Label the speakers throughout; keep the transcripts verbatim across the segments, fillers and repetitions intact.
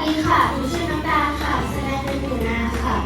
Speaker 1: ดีค่ะหนูชื่อน้ำตาลค่ะแสดงเป็นหนูนาค่ะ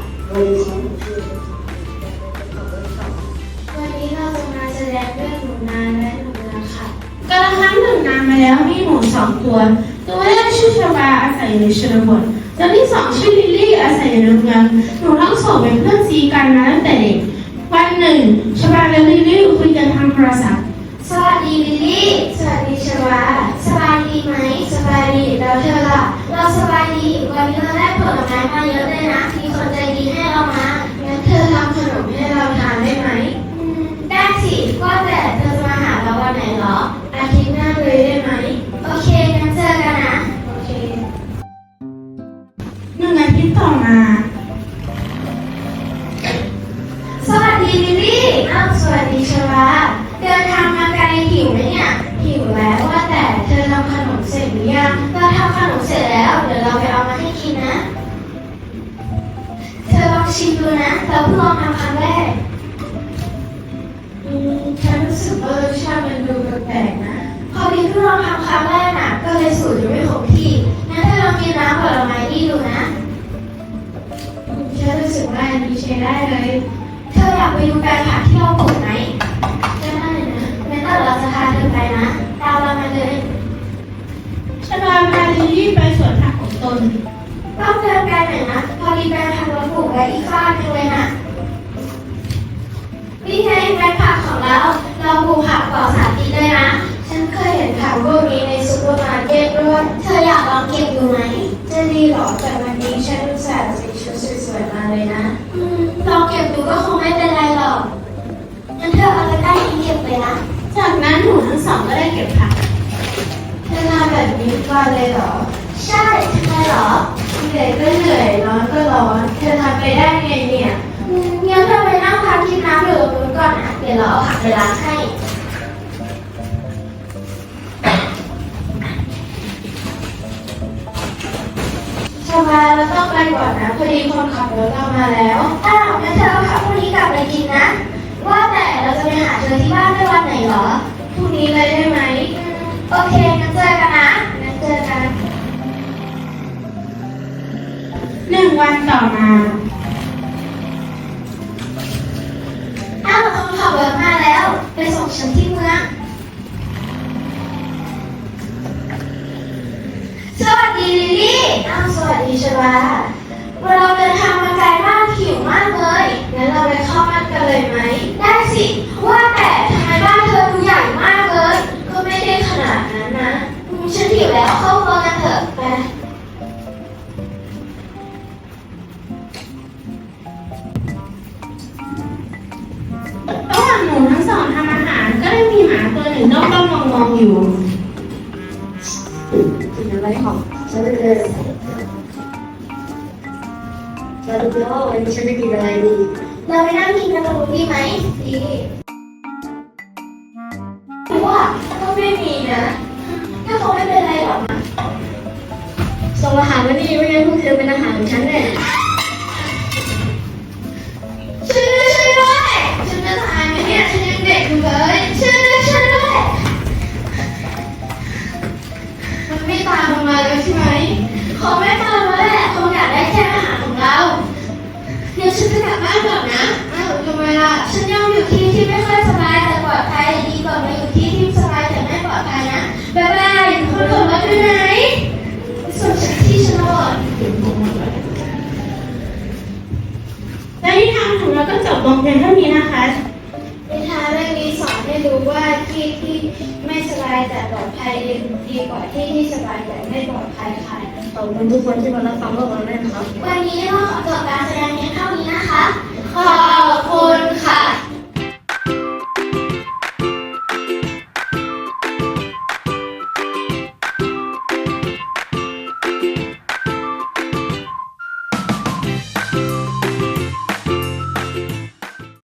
Speaker 1: วันนี้เราจะมาแสดงเรื่องหนูนาและหนูนาค่ะกาลครั้งหนึ่งนานมาแล้วมีหนูสองตัวตัวแรกชื่อชบาอาศัยอยู่ในชนบทตัวที่สองชื่อลิลลี่อาศัยอยู่ในเมืองหนูทั้งสองเป็นเพื่อนซีกันมาตั้งแต่เด็กวันหนึ่งชบาและลิลลี่คุยกันทางโทรศัพท์สวัสดีลิลลี่สวัสดีชบาสบายดีไหมสบายดีแล้วเธอล่ะเราสบายดีวันนี้เราได้ผลไม้มาเยอะเลยนะมีคนใจดีให้เรามางั้นเธอทำขนมให้เราทานได้ไหมอืมได้สิว่าแต่เธอจะมาหาเราวันไหนเหรออาทิตย์หน้าเลยได้ไหมโอเคงั้นเจอกันนะโอเคหนึ่งอาทิตย์ต่อมาสวัสดีลิลลี่อ้าวสวัสดีชวาเดินทางมาไกลหิวไหมเนี่ยหิวแล้วว่าแต่เธอทำขนมเสร็จหรือยังเราทำขนมเสร็จแล้วเดี๋ยวเราไปเอามาให้กินนะเธอลองชิมดูนะเราเพิ่งลองทำครั้งแรกอืมฉันรู้สึกว่ารสชาติมันดูแปลกๆนะพอดีเพิ่งลองทำครั้งแรกน่ะก็เลยสูตรยังไม่คงที่งั้นเธอลองกินน้ำผลไม้นี่ดูนะอืมฉันรู้สึกว่าอันนี้ใช้ได้เลยเธออยากไปดูแปลงผักที่เราปลูกไหมก็ได้นะงั้นเราจะพาเธอไปนะตามเรามาเลยชบาพาลิลลี่ไปสวนผักของตนต้องเดินไกลหน่อยนะพอดีแปลงผักเราปลูกไว้อีกข้างนึงเลยนะนี่ไงแปลงผักของเราเราปลูกผักปลอดสารพิษด้วยนะฉันเคยเห็นผักพวกนี้ในซุปเปอร์มาร์เก็ตด้วยเธออยากลองเก็บดูไหมจะดีหรอแต่วันนี้ฉันอุตส่าห์ใส่ชุดสวยๆมาเลยนะอืมลองเก็บดูก็คงไม่เป็นไรหรอกงั้นเธอเอาตะกร้านี้เก็บไปนะจากนั้นหนูทั้งสองก็ได้เก็บผักเธอทำแบบนี้ทุกวันเลยเหรอใช่ทำไมเหรอเหนื่อยก็เหนื่อยร้อนก็ร้อนเธอทำไปได้ไงเนี่ยอืมงั้นเธอไปนั่งพักกินน้ำอยู่ตรงนู้นก่อนนะเดี๋ยวเราเอาผักไปล้างให้ชาวบ้านเราต้องไปก่อนนะพอดีคนขับรถเรามาแล้วอ้าวงั้นเธอเอาผักพวกนี้กลับไปกินนะว่าแต่เราจะไปหาเธอที่บ้านได้วันไหนเหรอพรุ่งนี้เลยได้ไหมโอเคงั้นเจอกันนะงั้นเจอกันหนึ่งวันต่อมาอ้าวคนขับรถมาแล้วไปส่งฉันที่เมืองสวัสดีลิลลี่อ้าวสวัสดีชวาเราเดินทางมาไกลมากหิวมากเลยงั้นเราไปเข้าบ้านกันเลยไหมได้สิว่าแต่ทำไมบ้านเธอดูใหญ่มากเลยก็ไม่ได้ขนาดนั้นนะฉันหิวแล้วเข้าครัวกันเถอะไประหว่างหนูทั้งสองทำอาหารก็ได้มีหมาตัวหนึ่งด้อมๆมองๆอยู่กินอะไรของฉันเลยเราดูแล้วว่าวันนี้ฉันจะกินอะไรดีเราไปนั่งกินกันตรงนู้นดีไหมดีว่าก็ไม่มีนะก็คงไม่เป็นไรหรอกนะส่งอาหารมาดีไม่งั้นพวกเธอเป็นอาหารของฉันแน่ช่วยด้วยช่วยด้วยฉันจะตายไหมเนี่ยฉันยังเด็กอยู่เลยช่วยด้วยช่วยด้วยมันไม่ตามลงมาเลยใช่ไหมคงไม่ตามมาแหละคงอยากได้แค่อาหารของเราเดี๋ยวฉันจะกลับบ้านก่อนนะอ้าวทำไมล่ะฉันยอมอยู่ที่ที่ไม่ค่อยสบายแต่ปลอดภัยดีกว่ามาอยู่ที่ที่สบายแต่ไม่ปลอดภัยนะบ๊ายบายคนขับรถอยู่ไหนส่งฉันที่ชนบทและนิทานของเราก็จบลงเพียงเท่านี้นะคะนิทานเรื่องนี้สอนให้รู้ว่าที่ที่ไม่สบายแต่ปลอดภัยดีกว่าที่ที่สบายแต่ไม่ปลอดภัยค่ะขอบคุณทุกคนที่มารับฟังพวกเราด้วยนะครับวันนี้เราขอจบการแสดงเพียงเท่านี้นะคะขอบคุณค่ะ